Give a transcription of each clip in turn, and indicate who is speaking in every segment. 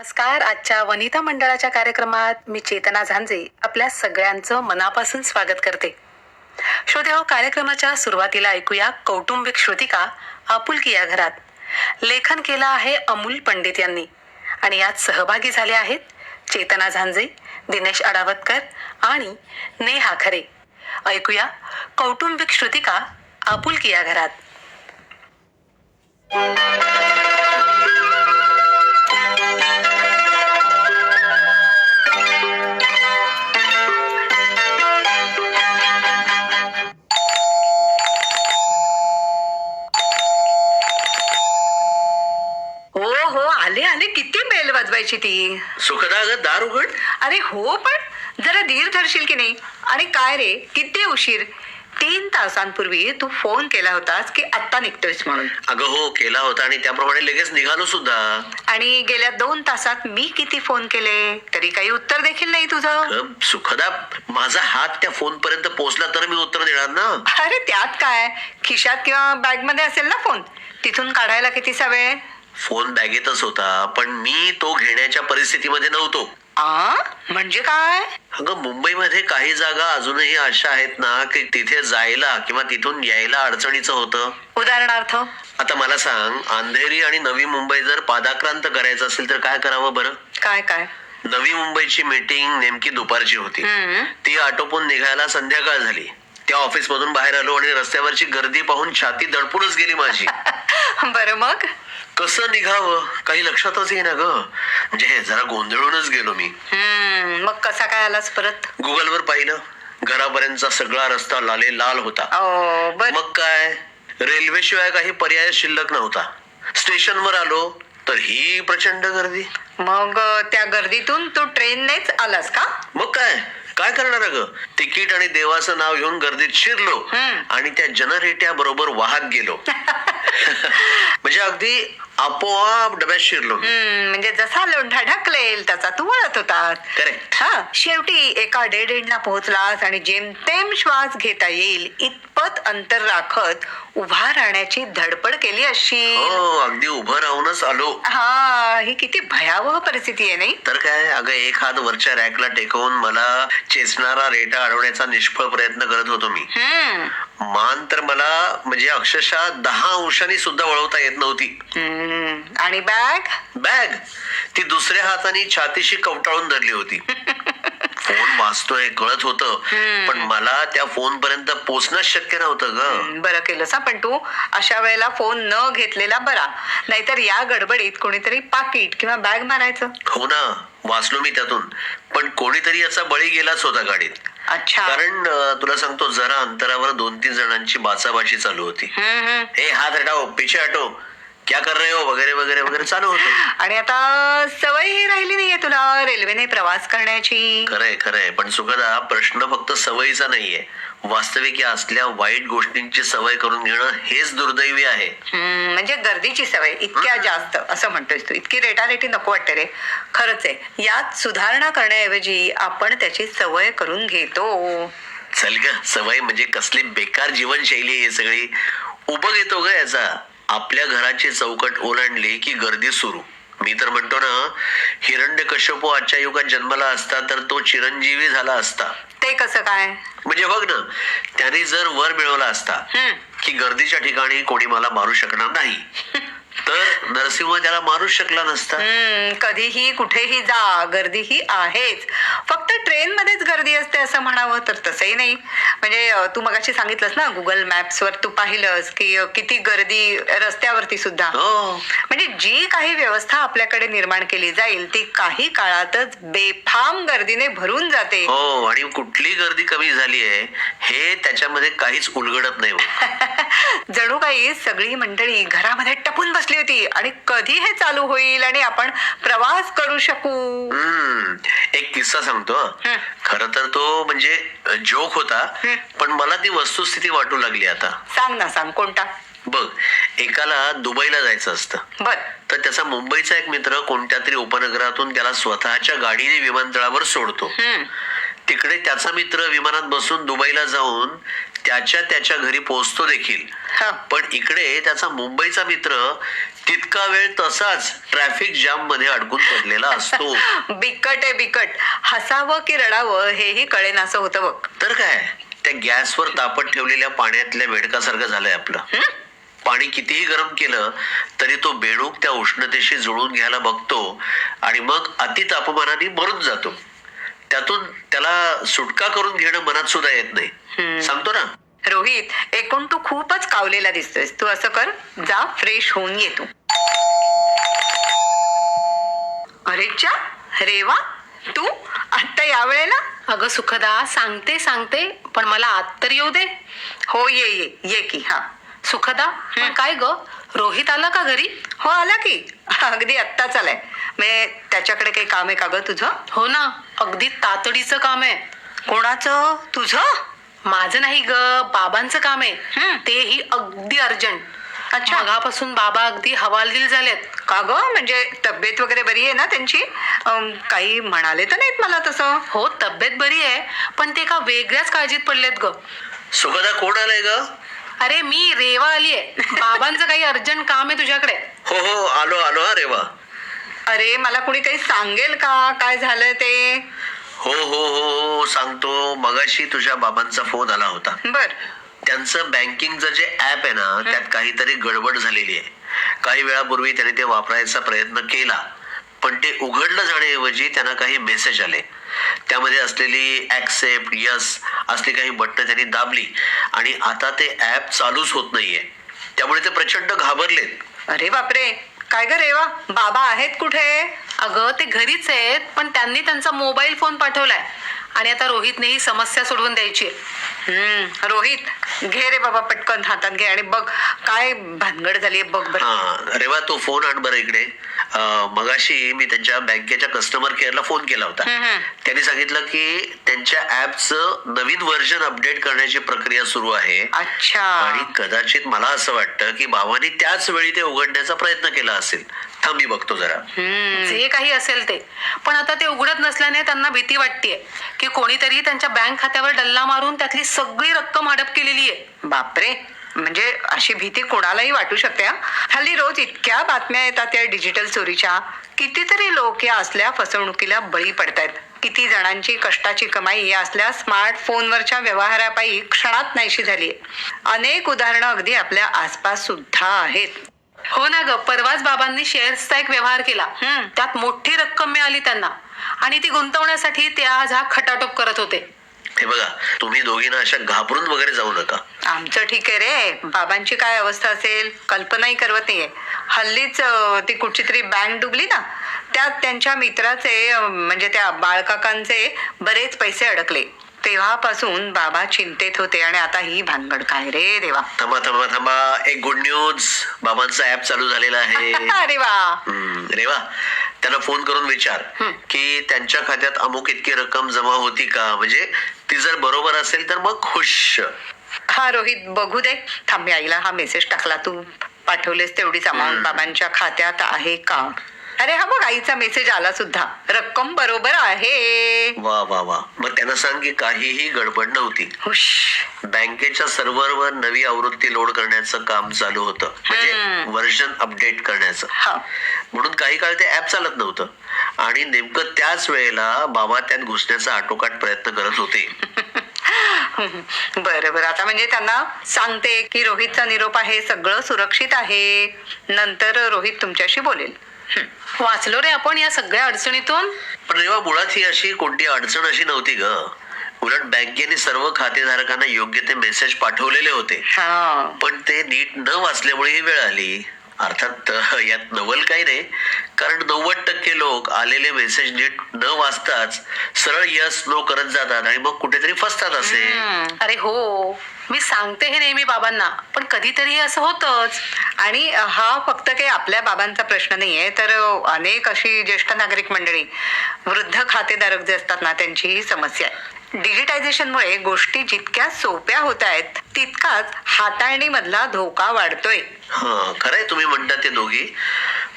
Speaker 1: नमस्कार. आजच्या वनिता मंडळाच्या कार्यक्रमात मी चेतना झांजे आपल्या सगळ्यांचं मनापासून स्वागत करते. श्रोतेहो, कार्यक्रमाच्या सुरुवातीला ऐकूया कौटुंबिक श्रुतिका आपुलकी या घरात. लेखन केलं आहे अमूल पंडित यांनी आणि यात सहभागी झाले आहेत चेतना झांजे, दिनेश अडावतकर आणि नेहा खरे. ऐकूया कौटुंबिक श्रुतिका आपुलकी या घरात. हो हो, आले आले. किती बेल वाजवायची ती.
Speaker 2: सुखदा, अगं दार उघड.
Speaker 1: अरे हो, पण जरा धीर धरशील की नाही. आणि काय रे, किती उशीर. 3 तासांपूर्वी तू फोन केला होतास की आत्ता निघतोयस म्हणून.
Speaker 2: अगं हो, केला होता आणि त्याप्रमाणे लगेच निघालो सुद्धा.
Speaker 1: आणि गेल्या 2 तासात मी किती फोन केले तरी काही उत्तर देखील नाही तुझं.
Speaker 2: अगं, सुखदा, माझा हात त्या फोन पर्यंत पोहोचला तर मी उत्तर देणार ना.
Speaker 1: अरे त्यात काय, खिशात किंवा बॅग मध्ये असेल ना फोन. तिथून काढायला कितीसा वेळ.
Speaker 2: फोन बॅगेतच होता, पण मी तो घेण्याच्या परिस्थितीमध्ये नव्हतो.
Speaker 1: म्हणजे काय.
Speaker 2: अगं, मुंबईमध्ये काही जागा अजूनही अशा आहेत ना की तिथे जायला किंवा तिथून यायला अडचणीचं होतं.
Speaker 1: उदाहरणार्थ.
Speaker 2: आता मला सांग, अंधेरी आणि नवी मुंबई जर पादाक्रांत करायचं असेल तर काय करावं बरं?
Speaker 1: काय काय.
Speaker 2: नवी मुंबईची मीटिंग नेमकी दुपारची होती. ती आटोपून निघायला संध्याकाळ झाली. त्या ऑफिस मधून बाहेर आलो आणि रस्त्यावरची गर्दी पाहून छाती दडपूनच गेली माझी.
Speaker 1: बरं, मग
Speaker 2: कसं निघावं काही लक्षातच येईना ग. म्हणजे जरा गोंधळूनच गेलो मी.
Speaker 1: मग कसा काय आलास परत.
Speaker 2: गुगलवर पाहिलं, घरापर्यंतचा सगळा रस्ता लाल होता.
Speaker 1: बर.
Speaker 2: मग काय, रेल्वे शिवाय काही पर्याय शिल्लक नव्हता. स्टेशनवर आलो तर ही प्रचंड गर्दी.
Speaker 1: मग त्या गर्दीतून तू ट्रेननेच आलास का.
Speaker 2: मग काय करणार ग. तिकीट आणि देवाचं नाव घेऊन गर्दीत शिरलो आणि त्या जनरेट्या बरोबर वाहत गेलो. म्हणजे अगदी आपोआप डब्यात शिरलो.
Speaker 1: म्हणजे जसा लोंढा ढकलेल तसा तू वळत होता.
Speaker 2: करेक्ट.
Speaker 1: शेवटी एका डेड एंडला पोहोचलास आणि जेमतेम श्वास घेता येईल इतपत अंतर राखत उभा राहण्याची धडपड केली अशी.
Speaker 2: हो, अगदी उभं राहूनच आलो.
Speaker 1: ही किती भयावह परिस्थिती आहे नाही.
Speaker 2: तर काय, अगं एक हात वरच्या रॅकला टेकवून मला चेचणारा रेटा अडवण्याचा निष्फळ प्रयत्न करत होतो मी. मान तर मला म्हणजे अक्षरशः 10 अंशांनी सुद्धा वळवता येत नव्हती.
Speaker 1: आणि बॅग
Speaker 2: ती दुसऱ्या हाताने छातीशी कवटाळून धरली होती. फोन वाजतोय कळत होतं, पण मला त्या फोन पर्यंत पोहोचणंच शक्य नव्हतं ग.
Speaker 1: बरं केलंस. पण तू अशा वेळेला फोन न घेतलेला बरा. नाहीतर या गडबडीत कोणीतरी पाकिट किंवा बॅग मारायचं.
Speaker 2: हो ना, वाचलो मी त्यातून. पण कोणीतरी याचा बळी गेलाच होता गाडीत.
Speaker 1: अच्छा.
Speaker 2: कारण तुला सांगतो, जरा अंतरावर 2-3 जणांची बाचाबाची चालू होती. हे हात हटाओ, पीछे हटो, क्या कर रहे हो, वगैरे वगैरे वगैरे चालू होतं.
Speaker 1: आणि आता सवयही राहिली नाहीये तुला रेल्वेने प्रवास करण्याची.
Speaker 2: खरंय. पण सुखदा, प्रश्न फक्त सवयीचा नाहीये. वास्तविक असल्या वाईट गोष्टींची सवय करून घेणं हेच दुर्दैवी आहे.
Speaker 1: म्हणजे गर्दीची सवय इतक्या जास्त असं म्हणतोयस तू. इतकी रेटारेटी नको वाटते रे. खरंच आहे, यात सुधारणा करण्याऐवजी आपण त्याची सवय करून घेतो.
Speaker 2: चल ग, सवय म्हणजे कसली बेकार जीवनशैली आहे सगळी. उभं घेतो ग याचा. आपल्या घराची चौकट ओलांडली की गर्दी सुरू. मी तर म्हणतो ना, हिरण्यकश्यपू आजच्या युगात जन्माला असता तर तो चिरंजीवी झाला असता.
Speaker 1: ते कसं काय.
Speaker 2: म्हणजे बघ ना, त्याने जर वर मिळवला असता की गर्दीच्या ठिकाणी कोणी मला मारू शकणार नाही, तर नरसिंह त्याला मारूच शकला नसता.
Speaker 1: कधीही कुठेही जा, गर्दी ही आहेच. फक्त ट्रेन मध्येच गर्दी असते असं म्हणावं तर तसंही नाही. म्हणजे तू मगाशी सांगितलंस ना, गुगल मॅप्स वर तू पाहिलंस की किती गर्दी रस्त्यावरती सुद्धा. म्हणजे जी काही व्यवस्था आपल्याकडे निर्माण केली जाईल ती काही काळातच बेफाम गर्दीने भरून जाते.
Speaker 2: हो, आणि कुठली गर्दी कमी झाली आहे हे त्याच्यामध्ये काहीच उलगडत नाही.
Speaker 1: जणू काही सगळी मंडळी घरामध्ये टपून बसली होती आणि कधी हे चालू होईल आणि आपण प्रवास करू शकू.
Speaker 2: एक किस्सा सांगतो. खर तर तो म्हणजे जोक होता, पण मला ती वस्तुस्थिती वाटू लागली आता.
Speaker 1: सांग ना, सांग. कोणता.
Speaker 2: बघ, एकाला दुबईला जायचं असतं.
Speaker 1: बर.
Speaker 2: तर त्याचा मुंबईचा एक मित्र कोणत्या तरी उपनगरातून त्याला स्वतःच्या गाडीने विमानतळावर सोडतो. तिकडे त्याचा मित्र विमानात बसून दुबईला जाऊन त्याच्या घरी पोहोचतो देखील.
Speaker 3: हा.
Speaker 2: पण इकडे त्याचा मुंबईचा मित्र तितका वेळ तसाच ट्रॅफिक जाम मध्ये अडकून पडलेला असतो.
Speaker 3: बिकट आहे बिकट. हसावं की रडावं हेही कळेनासं होतं बघ.
Speaker 2: तर काय, त्या गॅसवर तापत ठेवलेल्या पाण्यातल्या बेडकासारखं झालंय आपलं. पाणी कितीही गरम केलं तरी तो बेडूक त्या उष्णतेशी जुळून घ्यायला बघतो आणि मग अति तापमानाने मरून जातो. त्यातून त्याला सुटका करून घेणं मनात सुद्धा येत नाही. सांगतो ना.
Speaker 3: रोहित, एकूण तू खूपच कावलेला दिसतोयस. तू असं कर, जा फ्रेश होऊन ये तू. अरे च्या, रेवा, तू आत्ता या वेळेला?
Speaker 1: अगं सुखदा, सांगते पण मला आत तर येऊ दे.
Speaker 3: हो, ये ये ये की. हा.
Speaker 1: सुखदा, पण काय ग, रोहित आला का घरी?
Speaker 3: हो, आला की. अगदी आत्ताच आलाय. म्हणजे त्याच्याकडे काही काम आहे का ग तुझं?
Speaker 1: हो ना, अगदी तातडीचं काम आहे.
Speaker 3: कोणाचं? तुझं?
Speaker 1: माझं नाही ग, बाबांचं काम आहे.
Speaker 3: हं.
Speaker 1: तेही अगदी अर्जंट.
Speaker 3: अच्छा.
Speaker 1: मगापासून बाबा अगदी हवालदिल झालेत.
Speaker 3: का ग, म्हणजे तब्येत वगैरे बरी आहे ना त्यांची? काही म्हणाले तर नाहीत मला तसं.
Speaker 1: हो, तब्येत बरी आहे, पण ते एका वेगळ्याच काळजीत पडलेत ग.
Speaker 2: सुखदा, कोण आलंय ग?
Speaker 1: अरे मी रेवा आलीये. बाबांचं काही अर्जंट काम आहे तुझ्याकडे.
Speaker 2: हो, आलो हा रेवा.
Speaker 3: अरे, मला कुणी काही सांगेल का काय झालं ते?
Speaker 2: हो, सांगतो. मगाशी तुझ्या बाबांचा फोन आला होता.
Speaker 3: बर.
Speaker 2: त्यांचं बँकिंगचं जे ऍप आहे ना, त्यात काहीतरी गडबड झालेली आहे. काही वेळापूर्वी त्याने ते वापरायचा प्रयत्न केला, पण ते उघडलं जाण्याऐवजी त्यांना काही मेसेज आले. त्यामध्ये असलेली ऍक्सेप्ट, यस असली काही बटणं त्यांनी दाबली आणि आता ते ऍप चालूच होत नाहीये. त्यामुळे ते प्रचंड घाबरलेत.
Speaker 3: अरे बापरे, काय ग रेवा, बाबा आहेत कुठे?
Speaker 1: अगं ते घरीच आहेत, पण त्यांनी त्यांचा मोबाईल फोन पाठवलाय आणि आता रोहितने ही समस्या सोडवून द्यायची.
Speaker 3: रोहित, घे रे बाबा, पटकन हातात घे आणि बघ काय भानगड झालीये बघ बरं.
Speaker 2: हा रेवा, तो फोन आण बरं इकडे. मगाशी मी त्यांच्या बँकेच्या कस्टमर केअरला फोन केला होता. त्यांनी सांगितलं की त्यांच्या ऍपचं नवीन व्हर्जन अपडेट करण्याची प्रक्रिया सुरू आहे.
Speaker 3: अच्छा.
Speaker 2: आणि कदाचित मला असं वाटतं की बाबांनी त्याच वेळी ते उघडण्याचा प्रयत्न केला असेल. थांब, मी बघतो जरा.
Speaker 1: जे काही असेल ते, पण आता ते उघडत नसल्याने त्यांना भीती वाटतेय की कोणीतरी त्यांच्या बँक खात्यावर डल्ला मारून त्यातली सगळी रक्कम हडप केलेली आहे.
Speaker 3: बापरे, म्हणजे अशी भीती कोणालाही वाटू शकते. हल्ली रोज इतक्या बातम्या येतात या डिजिटल चोरीच्या. कितीतरी लोक या असल्या फसवणुकीला बळी पडतायत. किती जणांची कष्टाची कमाई या असल्या स्मार्टफोनवरच्या व्यवहारापायी क्षणात नाहीशी झालीये. अनेक उदाहरणं अगदी आपल्या आसपास सुद्धा आहेत.
Speaker 1: हो ना ग, परवाच बाबांनी शेअर्सचा एक व्यवहार केला. त्यात मोठी रक्कम मिळाली त्यांना आणि ती गुंतवण्यासाठी ते आज हा खटाटोप करत होते.
Speaker 2: हे बघा, तुम्ही दोघींना अशा घाबरून वगैरे जाऊ नका.
Speaker 3: आमचं ठीक आहे रे, बाबांची काय अवस्था असेल कल्पनाही करवत नाहीये. हल्लीच ती कुठची तरी बँक डुबली ना, त्यात त्यांच्या मित्राचे म्हणजे त्या बाळकाकांचे बरेच पैसे अडकले. तेव्हापासून बाबा चिंतेत होते आणि आता ही भानगड काय रे देवा.
Speaker 2: थांबा, एक गुड न्यूज. बाबांचा ऍप चालू झालेला आहे.
Speaker 3: अरे वा.
Speaker 2: रेवा, त्यांना फोन करून विचार की त्यांच्या खात्यात अमुक इतकी रक्कम जमा होती का. म्हणजे ती जर बरोबर असेल तर मग खुश.
Speaker 3: हा रोहित, बघू दे. थांब, आईला हा मेसेज टाकला. तू पाठवलेस तेवढीच अमाऊंट बाबांच्या खात्यात आहे का? अरे हा बघ, आईचा मेसेज आला सुद्धा. रक्कम बरोबर आहे.
Speaker 2: वा. मग त्यांना सांग की काहीही गडबड नव्हती.
Speaker 3: हुश.
Speaker 2: बँकेच्या सर्व्हरवर नवी आवृत्ती लोड करण्याचं काम चालू होतं. म्हणजे व्हर्जन अपडेट करण्याचं.
Speaker 3: हा.
Speaker 2: म्हणून काही काळ ते ऍप चालत नव्हतं आणि नेमकं त्याच वेळेला बाबा त्यात घुसण्याचा आटोकाट प्रयत्न करत होते.
Speaker 3: बरं, आता म्हणजे त्यांना सांगते की रोहितचा निरोप आहे, सगळं सुरक्षित आहे. नंतर रोहित तुमच्याशी बोलेल.
Speaker 1: वाचलो रे आपण या सगळ्या अडचणीतून.
Speaker 2: पण रेवा, मुळात ही अशी कोणती अडचण अशी नव्हती ग. उलट बँकेने सर्व खातेधारकांना योग्य ते मेसेज पाठवलेले होते. पण ते नीट न वाचल्यामुळे ही वेळ आली. अर्थात यात नवल काही नाही, कारण 90% लोक आलेले मेसेज नीट न वाचताच सरळ यस नो करत जातात आणि मग कुठेतरी फसतात असे.
Speaker 1: अरे हो, मी सांगते हे नेहमी बाबांना, पण कधीतरी असं होतच.
Speaker 3: आणि हा फक्त काही आपल्या बाबांचा प्रश्न नाहीये, तर अनेक अशी ज्येष्ठ नागरिक मंडळी, वृद्ध खातेधारक जे असतात ना, त्यांची ही समस्या आहे. डिजिटायझेशनमुळे गोष्टी जितक्या सोप्या होत आहेत तितकाच हाताळणीमधला धोका वाढतोय.
Speaker 2: खरंय तुम्ही म्हणता ते दोघी.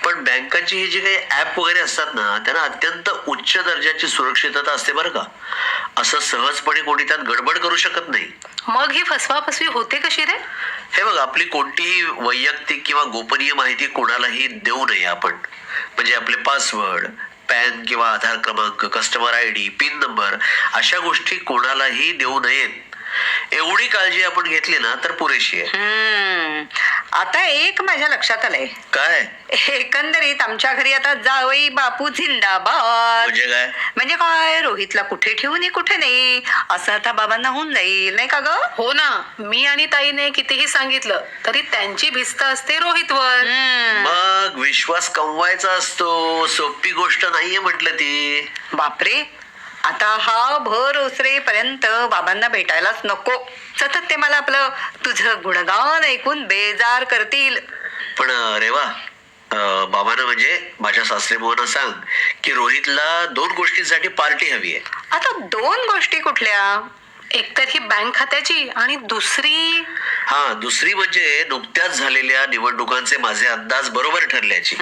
Speaker 2: पण बँकांची ही जी काही ऍप वगैरे असतात ना त्यांना अत्यंत उच्च दर्जाची सुरक्षितता असते बरं का. असं सहजपणे कोणी त्यात गडबड करू शकत नाही.
Speaker 1: मग ही फसवाफसवी होते कशी रे?
Speaker 2: हे बघ, आपली कोणतीही वैयक्तिक किंवा गोपनीय माहिती कोणालाही देऊ नये आपण. म्हणजे आपले पासवर्ड, पॅन किंवा आधार क्रमांक, कस्टमर ID, पिन नंबर अशा गोष्टी कोणालाही देऊ नयेत. एवढी काळजी आपण घेतली ना तर पुरेशी आहे.
Speaker 3: आता एक माझ्या लक्षात आलंय.
Speaker 2: काय
Speaker 3: एकंदरीत आमच्या घरी आता जावई बापू जिंदाबाद.
Speaker 2: म्हणजे काय?
Speaker 3: म्हणजे काय, रोहितला कुठे ठेवू नये कुठे नाही असं आता बाबांना होऊन जाईल नाही का ग?
Speaker 1: हो ना, मी आणि ताईने कितीही सांगितलं तरी त्यांची भिस्त असते रोहितवर.
Speaker 2: मग विश्वास कमवायचा असतो, सोपी गोष्ट नाहीये म्हटलं ती.
Speaker 3: बापरे, आता हा भर ओसरेपर्यंत बाबांना भेटायलाच नको. सतत ते मला आपलं तुझं गुणगान ऐकून बेजार करतील.
Speaker 2: पण अरे वा, बाबांना म्हणजे माझ्या सासरेबुवांना सांग की रोहितला 2 गोष्टींसाठी पार्टी हवी आहे.
Speaker 3: आता 2 गोष्टी कुठल्या?
Speaker 1: एकतर ही बँक खात्याची आणि दुसरी
Speaker 2: दुसरी म्हणजे नुकत्याच झालेल्या निवडणुकांचे माझे अंदाज बरोबर ठरल्याची.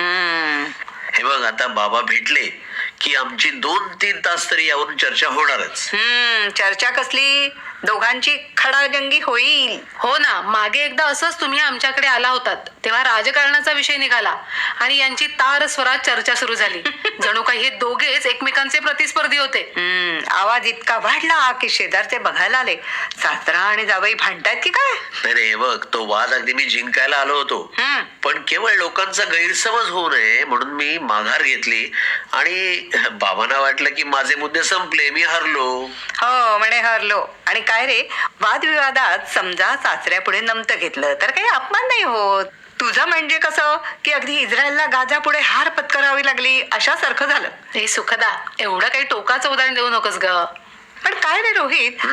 Speaker 2: हे बघ, आता बाबा भेटले की आमची 2-3 तास तरी यावरून चर्चा होणारच.
Speaker 3: चर्चा कसली? दोघांची खडाजंगी होईल.
Speaker 1: हो ना, मागे एकदा असंच तुम्ही आमच्याकडे आला होतात तेव्हा राजकारणाचा विषय निघाला आणि यांची तार स्वरात चर्चा सुरू झाली. जणू काही हे दोघेच एकमेकांचे प्रतिस्पर्धी होते.
Speaker 3: आवाज इतका वाढला की शेजारचे बघायला आले. सासरा आणि जावई भांडतायत की काय?
Speaker 2: नाही हे बघ, तो वाद अगदी मी जिंकायला आलो होतो. पण केवळ लोकांचा गैरसमज होऊ नये म्हणून मी माघार घेतली आणि बाबांना वाटलं की माझे मुद्दे संपले, मी हरलो.
Speaker 3: हो म्हणे हरलो. आणि काय रे, वादविवादात समजा सासऱ्यापुढे नमतं घेतलं तर काही अपमान नाही होत. तुझं म्हणजे कसं की अगदी इस्रायलला गाजा पुढे हार पत्करावी लागली अशासारखं झालं.
Speaker 1: हे सुखदा, एवढं काही टोकाचं उदाहरण देऊ नकोस ग.
Speaker 3: पण काय रे रोहित,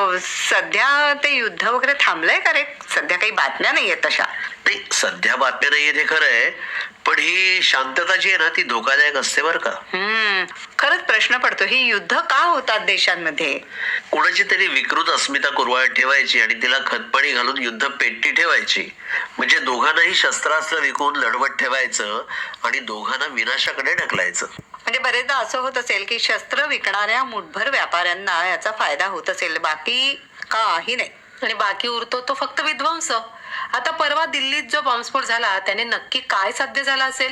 Speaker 3: सध्या ते युद्ध वगैरे थांबलंय का रे? सध्या काही बातम्या नाहीयेत तशा.
Speaker 2: नाही, सध्या बातम्या नाहीये ते खरं आहे, पण ही शांतता जी आहे ना ती धोकादायक असते बरं का.
Speaker 3: खरंच प्रश्न पडतो, ही युद्ध का होतात देशांमध्ये?
Speaker 2: कोणाची तरी विकृत अस्मिता कुरवाळत ठेवायची आणि तिला खतपाणी घालून युद्ध पेटती ठेवायची. म्हणजे दोघांनाही शस्त्रास्त्र विकून लढवत ठेवायचं आणि दोघांना विनाशाकडे ढकलायचं.
Speaker 3: म्हणजे बरेचदा असं होत असेल की शस्त्र विकणाऱ्या मुठभर व्यापाऱ्यांना याचा फायदा होत असेल, बाकी काही नाही.
Speaker 1: आणि बाकी उरतो तो फक्त विध्वंस. आता परवा दिल्लीत जो बॉम्बस्फोट झाला त्याने नक्की काय साध्य झालं असेल?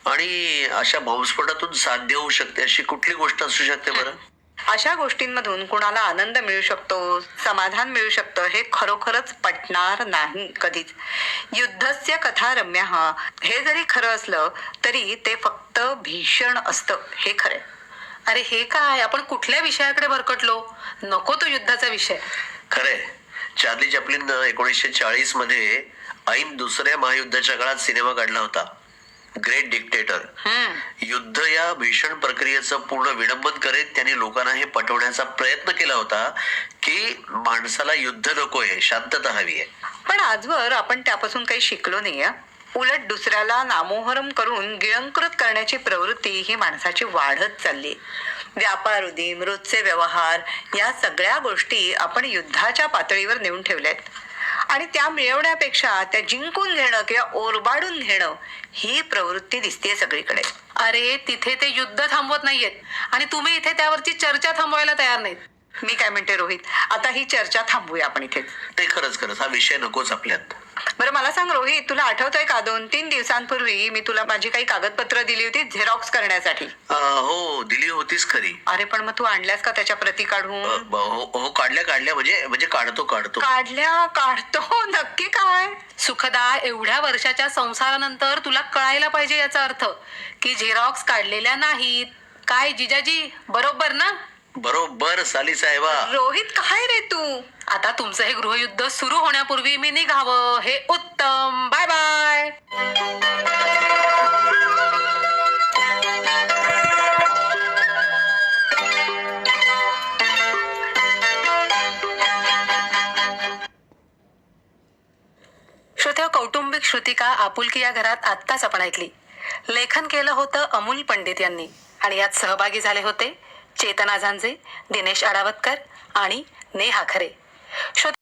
Speaker 2: आणि अशा बॉम्बस्फोटातून साध्य होऊ शकते अशी कुठली गोष्ट असू शकते बरं?
Speaker 3: अशा गोष्टींमधून कुणाला आनंद मिळू शकतो, समाधान मिळू शकतं हे खरोखरच पटणार नाही कधीच. युद्धस्य कथा रम्य हे जरी खरं असलं तरी ते फक्त भीषण असतं, हे खरं.
Speaker 1: अरे हे काय, आपण कुठल्या विषयाकडे भरकटलो? नको तो युद्धाचा विषय.
Speaker 2: खरंय, चार्ली चॅप्लिननं 1940 मध्ये ऐन दुसऱ्या महायुद्धाच्या काळात सिनेमा काढला होता, ग्रेट डिक्टेटर. युद्ध या भीषण प्रक्रियेचं पूर्ण विडंबन करीत त्यांनी लोकांना हे पटवण्याचा प्रयत्न केला होता की माणसाला युद्ध नकोय, शांतता हवी आहे.
Speaker 3: पण आजवर आपण त्यापासून काही शिकलो नाही. उलट दुसऱ्याला नामोहरम करून गिळंकृत करण्याची प्रवृत्ती ही माणसाची वाढत चालली. व्यापार उदीम, रोजचे व्यवहार या सगळ्या गोष्टी आपण युद्धाच्या पातळीवर नेऊन ठेवल्यात. आणि त्या मिळवण्यापेक्षा त्या जिंकून घेणं किंवा ओरबाडून घेणं ही प्रवृत्ती दिसतेय सगळीकडे.
Speaker 1: अरे तिथे ते युद्ध थांबवत नाहीयेत आणि तुम्ही इथे त्यावरची चर्चा थांबवायला तयार नाहीत.
Speaker 3: मी काय म्हणते रोहित, आता ही चर्चा थांबूया आपण इथे.
Speaker 2: ते खरंच हा विषय नकोच आपल्यात.
Speaker 3: बरं मला सांग रोहित, तुला आठवतंय का 2-3 दिवसांपूर्वी मी तुला माझी काही कागदपत्र दिली होती झेरॉक्स करण्यासाठी?
Speaker 2: हो, दिली होतीच खरी.
Speaker 3: अरे पण मग तू आणल्यास का त्याच्या प्रती काढून?
Speaker 2: हो, काढल्या म्हणजे काढतो.
Speaker 3: काढतो नक्की काय?
Speaker 1: सुखदा, एवढ्या वर्षाच्या संसारानंतर तुला कळायला पाहिजे याचा अर्थ की झेरॉक्स काढलेल्या नाहीत. काय जिजाजी, बरोबर ना?
Speaker 2: बरोबर साली साहेबा.
Speaker 3: रोहित काय रे तू?
Speaker 1: आता तुमचं हे गृहयुद्ध सुरू होण्यापूर्वी मी निघावं हे उत्तम. Bye bye. श्रोत्या, कौटुंबिक श्रुतिका आपुलकी या घरात आत्ताच आपण ऐकली. लेखन केलं होतं अमूल पंडित यांनी आणि यात सहभागी झाले होते चेतना झांजे, दिनेश आडावतकर आणि नेहा खरे.